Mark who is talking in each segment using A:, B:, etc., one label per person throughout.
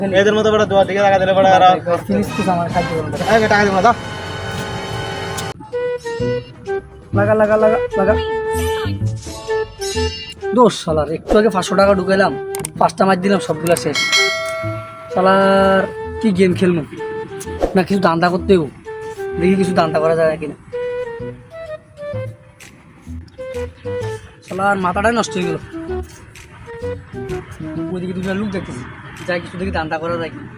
A: এদের মতো বড় দোয়া দিকে লাগা দিলে বড় আর
B: ফিনিশ কিছু আমার খাইতে বলুন
A: এই টাকা দিব না দাও
B: লাগা লাগা লাগা লাগা দোষ শালার একটু আগে 500 টাকা ঢুকাইলাম 5টা ম্যাচ দিলাম সবগুলা শেষ শালার কি গেম খেলবো না কিছু দান্দা করতে হবো দেখি কিছু দান্দা করা যায় কিনা শালার মাথাটাই নষ্ট হয়ে গেল ওইদিকে দুটো লোক দেখতেছি যাই কিছু দেখি দান্দা করা যায় কি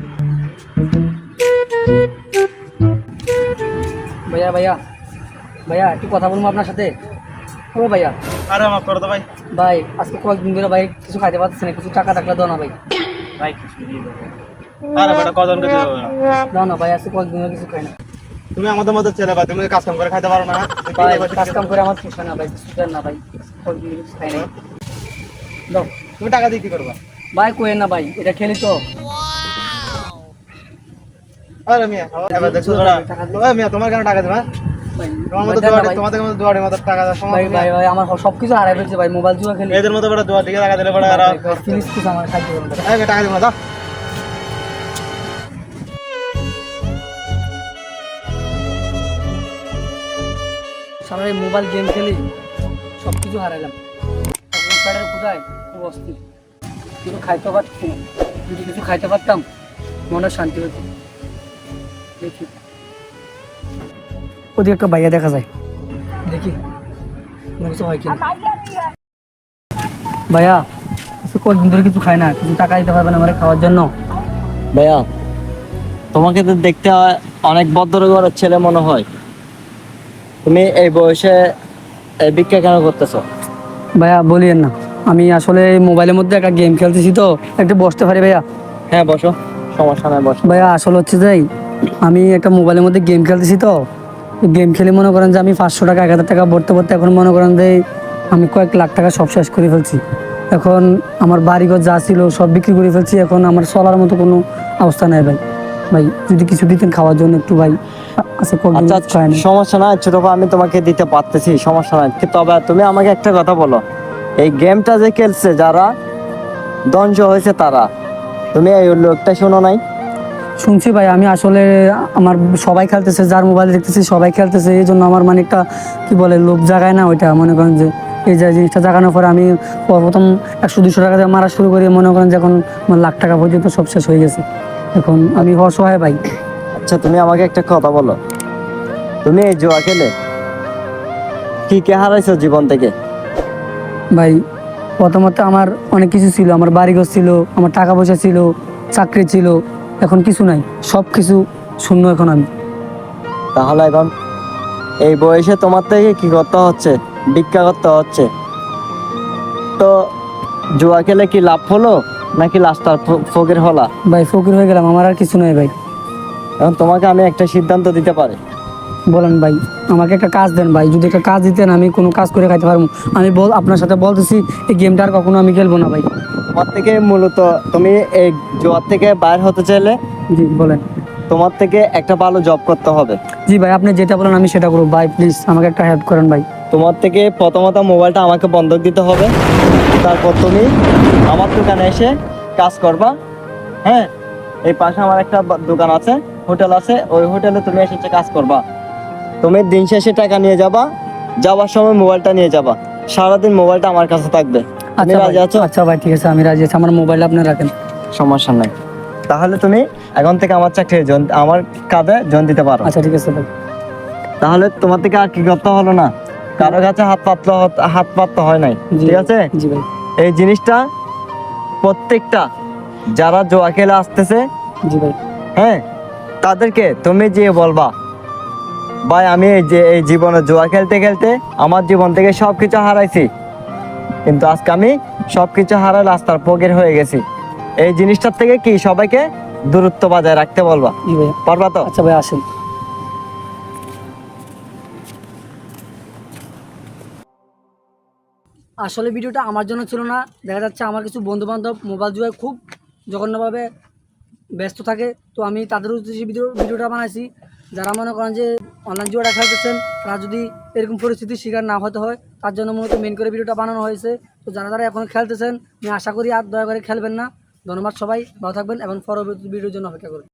B: ভাইয়া ভাইয়া ভাইয়া একটু কথা বলবো আপনার সাথে ও ভাইয়া
A: আরে মাফ করে দাও ভাই
B: ভাই আজকে কয়েকদিন ধরে ভাই কিছু খাইতে পারতেছি না কিছু টাকা টাকা দাও না ভাই
A: ভাই কিছু দিয়ে দাও আরে বেটা কজন কে দিও না
B: দাও না ভাই আজকে কয়েকদিন ধরে কিছু খাই না
A: তুমি আমাদের মতো ছেলে ভাই তুমি কাজ কাম করে খাইতে পারো না
B: ভাই কাজ কাম করে আমার পোষায় না ভাই কিছু দেন না ভাই কয়েকদিন ধরে কিছু খাই না দাও
A: তুমি টাকা দিয়ে কি করবা
B: ভাই কোয়েন না ভাই এটা খেলি তো
A: আরে মিয়া এবার দেখছো তোরা ওই মিয়া তোমার কেন টাকা দেবা
B: ভাই
A: তোমার মতো দোয়াড়ি তোমাদের মতো দোয়াড়ি মতো টাকা দেওয়ার সময়
B: ভাই ভাই ভাই আমার সব কিছু হারাই ফেলছে ভাই মোবাইল জুয়া খেলি
A: এদের মতো বড় দোয়া দিকে লাগা দিলে বড় আর
B: ফিনিশ কিছু আমার খাইতে বলুন
A: এই টাকা দিব না দাও
B: সারা এই মোবাইল গেম খেলি সব কিছু হারাইলাম এখন প্যাডের কোথায় খুব অস্থির কিছু খাইতে পারছি না যদি কিছু খাইতে পারতাম মনে শান্তি হতো দেখি ওদিকে একটা ভাইয়া দেখা যায় দেখি কোনো কিছু হয় কিনা ভাইয়া কয়েকদিন ধরে কিছু খাই না কিছু টাকা দিতে পারবেন আমার খাওয়ার জন্য
C: ভাইয়া তোমাকে তো দেখতে অনেক ভদ্র ঘরের ছেলে মনে হয় তুমি এই বয়সে এই ভিক্ষা কেন করতেছো?
B: ভাইয়া বলিয়েন না আমি আসলে এই মোবাইলের মধ্যে একটা গেম খেলতেছি তো একটু বসতে পারি ভাইয়া
C: হ্যাঁ বসো, সমস্যা নাই, বসো।
B: ভাইয়া আসলে হচ্ছে যাই আমি একটা মোবাইলের মধ্যে গেম খেলতেছি তো গেম খেলে মনে করেন যে আমি 500 টাকা 1000 টাকা ভরতে ভরতে এখন মনে করেন যে আমি কয়েক লাখ টাকা সব শেষ করে ফেলছি এখন আমার বাড়িঘর যা ছিল সব বিক্রি করে ফেলছি এখন আমার চলার মতো কোনো অবস্থা নেই ভাই ভাই যদি কিছু দিতেন খাওয়ার জন্য একটু ভাই আচ্ছা
C: আচ্ছা
B: খায় না
C: সমস্যা নাই ছোট ভাই, আমি তোমাকে দিতে পারতেছি, সমস্যা নাই। তবে তুমি আমাকে একটা কথা বলো, এই গেমটা যে খেলছে যারা ধ্বংস হয়েছে তারা, তুমি এই লোকটা শোনো নাই?
B: শুনছি ভাই আমি আসলে আমার সবাই খেলতেছে যার মোবাইল দেখতেছি সবাই খেলতেছে এই জন্য আমার মানে একটা কি বলে লোভ জাগায় না ওইটা মনে করেন যে এই যে জিনিসটা জাগানোর পরে আমি প্রথম 100-200 টাকা দিয়ে মারা শুরু করি মনে করেন যে এখন আমার লাখ টাকা পর্যন্ত সব শেষ হয়ে গেছে এখন আমি অসহায় ভাই
C: আচ্ছা তুমি আমাকে একটা কথা বলো, তুমি এই জুয়া খেলে কি কে হারাইছো জীবন থেকে?
B: ভাই প্রথমত আমার অনেক কিছু ছিল আমার বাড়িঘর ছিল আমার টাকা পয়সা ছিল চাকরি ছিল এখন কিছু নাই সব কিছু শূন্য এখন আমি
C: তাহলে এখন এই বয়সে তোমার থেকে কি করতে হচ্ছে? ভিক্ষা করতে হচ্ছে। তো জুয়া খেলে কি লাভ হলো নাকি লাস্টার ফকির হলা?
B: ভাই ফকির হয়ে গেলাম আমার আর কিছু নাই ভাই
C: এখন তোমাকে আমি একটা সিদ্ধান্ত দিতে পারি।
B: বলেন ভাই আমাকে একটা কাজ দেন ভাই যদি একটা কাজ দিতেন আমি কোনো কাজ করে খাইতে পারবো আমি আপনার সাথে বলতেছি এই গেমটা আর কখনো আমি খেলবো না ভাই
C: তোমার থেকে মূলত তুমি এই জুয়ার থেকে বাইর হতে চাইলে
B: জি বলেন
C: তোমার থেকে একটা ভালো জব করতে হবে।
B: জি ভাই আপনি যেটা বলেন আমি সেটা করবো ভাই প্লিজ আমাকে একটা হেল্প করেন ভাই
C: তোমার থেকে প্রথমত মোবাইলটা আমাকে বন্ধক দিতে হবে, তারপর তুমি আমার দোকানে এসে কাজ করবা। হ্যাঁ, এই পাশে আমার একটা দোকান আছে, হোটেল আছে, ওই হোটেলে তুমি এসে কাজ করবা। তুমি দিন শেষে টাকা নিয়ে যাবা, যাওয়ার সময় মোবাইলটা নিয়ে যাবা, সারাদিন মোবাইলটা আমার কাছে থাকবে। তুমি রাজি আছো?
B: আচ্ছা ভাই ঠিক আছে আমি রাজি আছি আমার মোবাইল আপনি রাখেন
C: সমস্যা নাই। তাহলে তুমি এখন থেকে আমার চাকরি আমার কাজে জয়েন দিতে পারো।
B: আচ্ছা ঠিক আছে ভাই
C: তাহলে তোমার থেকে আর কি করতে হলো না, কারো কাছে হাত পাততে হয় নাই, ঠিক আছে?
B: জি ভাই
C: এই জিনিসটা প্রত্যেকটা যারা জুয়া খেলে আসতেছে,
B: জি ভাই
C: হ্যাঁ, তাদেরকে তুমি যে বলবা ভাই আমি এই জীবনে জুয়া খেলতে খেলতে আমার জীবন থেকে সবকিছু হারাইছি, কিন্তু আজকে আমি সবকিছু হারাই রাস্তার ফকির হয়ে গেছি। এই জিনিসটার থেকে কি সবাইকে দূরত্ব বজায় রাখতে বলবা,
B: জি ভাই
C: পারবা তো?
B: আচ্ছা ভাই আসেন আসলে ভিডিওটা আমার জন্য ছিল না দেখা যাচ্ছে আমার কিছু বন্ধু বান্ধব মোবাইল জুয়ায় খুব জঘন্যভাবে ব্যস্ত থাকে তো আমি তাদের উদ্দেশ্যে ভিডিওটা বানাইছি যারা মনে করেন যে অনলাইন জুয়াটা খেলতেছেন তারা যদি এরকম পরিস্থিতির শিকার না হতে হয় তার জন্য মূলত মেন করে ভিডিওটা বানানো হয়েছে তো যারা যারা এখন খেলতেছেন আমি আশা করি আর দয়া করে খেলবেন না ধন্যবাদ সবাই, ভালো থাকবেন এবং পরবর্তী ভিডিওর জন্য অপেক্ষা করুন।